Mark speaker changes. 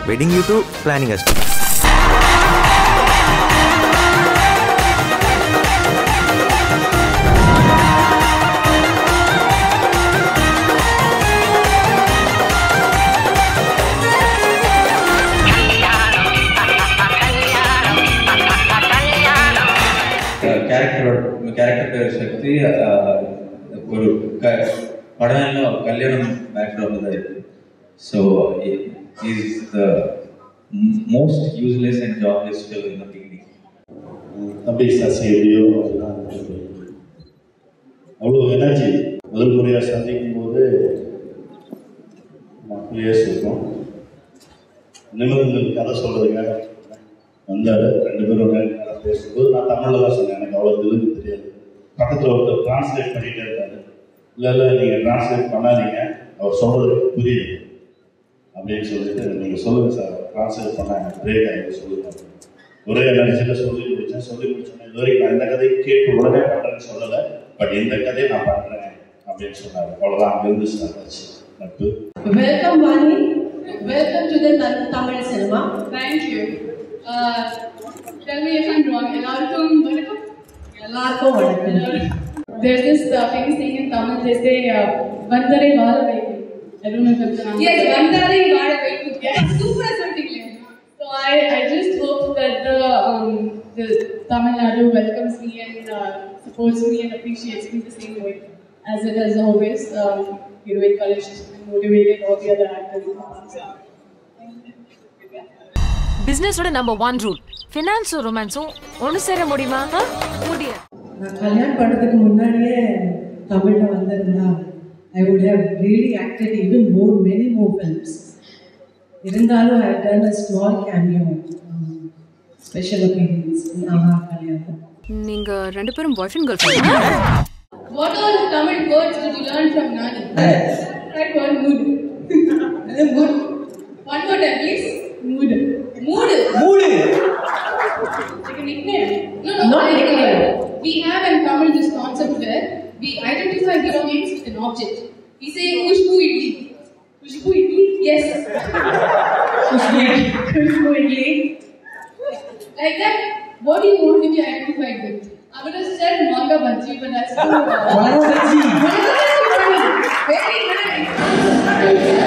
Speaker 1: wedding you to planning us.
Speaker 2: Character Shakti ஒரு படம்ல கல்யாணம் background தான் இருக்கு. So he is the most useless and jobless fellow in the beginning.
Speaker 3: தம்பி சசியோ அவ்வளோ energy முதல் முறையாக சந்திக்கும் போது மக்களையே சொல்கிறோம். நிமிடங்கள் கதை சொல்கிறதுக்காக வந்தார். 2 பேரும் கதை பேசும்போது நான் தமிழில் தான் சொன்னேன், எனக்கு அவ்வளோ தெலுங்கு தெரியாது. பக்கத்தில் ஒருத்தர் டிரான்ஸ்லேட் பண்ணிகிட்டே இருக்காரு. இல்லை நீங்கள் டிரான்ஸ்லேட் பண்ணாதீங்க, அவர் சொல்கிறது புரியுது அப்படின்னு சொல்லிட்டு நீங்கள் சொல்லுங்கள் சார், டிரான்ஸ்லேட் பண்ணால் எனக்கு பிரேக் ஆகிட்டு சொல்லுங்கள். ஒரே எனர்ஜியில் சொல்லி முடிச்சோன்னே இது வரைக்கும் நான் இந்த கதையை கேட்டு உடனே பண்ணுறேன்னு சொல்லலை, பட் இந்த கதையை நான் பண்ணுறேன் அப்படின்னு சொன்னார். அவ்வளோதான், அங்கேருந்து ஸ்டார்ட் ஆச்சு நட்பு.
Speaker 4: Welcome Vani, welcome to the Tamil cinema.
Speaker 5: Thank you. Tell me if I'm wrong. எல்லாருக்கும் வணக்கம். There's this famous thing in Tamil. They say "Vandare vaala vaikku." I don't know if it's wrong. Yes, Vandare vaala vaikku. Super something. So I just hope that the Tamil Nadu welcomes me and supports me and appreciates me the same way as it has always. Heroic College motivated all the other actors.
Speaker 6: Business oda number 1 rule, finance or romance onu sera mudiyuma mudiya.
Speaker 4: நான் கல்யாணம் பண்ணதுக்கு முன்னாடியே தமிழ்ல வந்திருந்தா I would have really acted even many more films. இருந்தாலும் I have done a small cameo, special appearance in Aha கல்யாணம்.
Speaker 6: நீங்க ரெண்டு பேரும் boyfriend girlfriend.
Speaker 5: What all Tamil words did you learn from Nani? Right word, mood. Mood. One more time, please. Mood. Mood. Like a nickname? No, not a nickname. We have in Tamil this concept where we identify belongings with an object. We say Khushbu idli. Khushbu idli? Yes. Khushbu idli. Like that, what do you want to be identified with? I would have said manga bhaji, but that's too. Manga bhaji. Very nice.